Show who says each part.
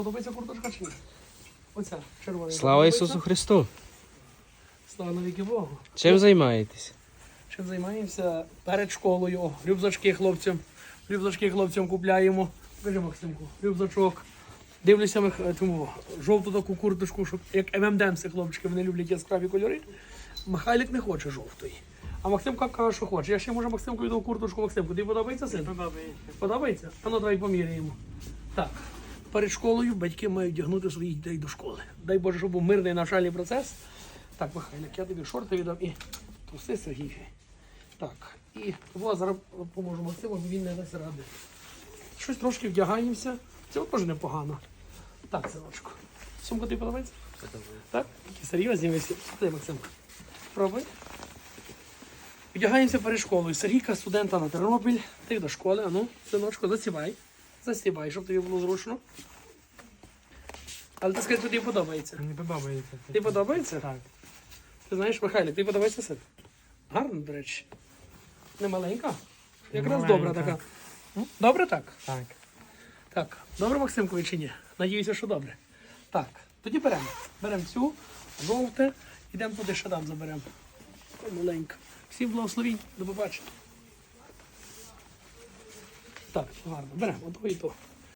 Speaker 1: Подобається курточка чи ні? Оця червона.
Speaker 2: Слава Ісусу Христу!
Speaker 1: Слава навіки Богу.
Speaker 2: Чим займаєтесь?
Speaker 1: Чим займаємося перед школою. О, рюкзачки хлопцям купляємо. Покажи, Максимку, рюкзачок. Дивлюся тому жовту таку курточку, щоб як ММДМси, хлопчики, вони люблять яскраві кольори. Михайлик не хоче жовтої. А Максимка каже, що хоче. Я ще може Максимку віддав курточку. Максимку, тобі подобається син?
Speaker 3: Подобається.
Speaker 1: Подобається? А ну давай поміряємо. Так, перед школою батьки мають вдягнути своїх дітей до школи. Дай Боже, щоб був мирний навчальний процес. Так, Михайлик, я тобі шорти віддав і труси Сергій. Так, і зараз поможу Максиму, бо він не дасть ради. Щось трошки вдягаємося. Це теж непогано. Так, синочку. Сумка тобі подобається? Так? Такі серйозні ви всі. Дай, Максимка. Пробуй. Вдягаємося перед школою. Сергійка, студента на Тернопіль. Ти до школи. А ну, синочку, засівай. Засівай, щоб тобі було зручно. Але ти скажи, тобі подобається.
Speaker 3: Мені подобається.
Speaker 1: Тобі подобається?
Speaker 3: Так.
Speaker 1: Ти знаєш, Михайло, тобі подобається син? Гарно, до речі. Не маленька? Якраз
Speaker 3: Маленька.
Speaker 1: добра така. Добре так?
Speaker 3: Так.
Speaker 1: Так. Добре, Максимкові, чи ні? Надіюся, що добре. Так, тоді беремо. Беремо цю, жовте, йдемо туди ще там заберемо. Ой, маленька. Всім благословінь, до побачення. Так, гарно. Беремо, ото і то.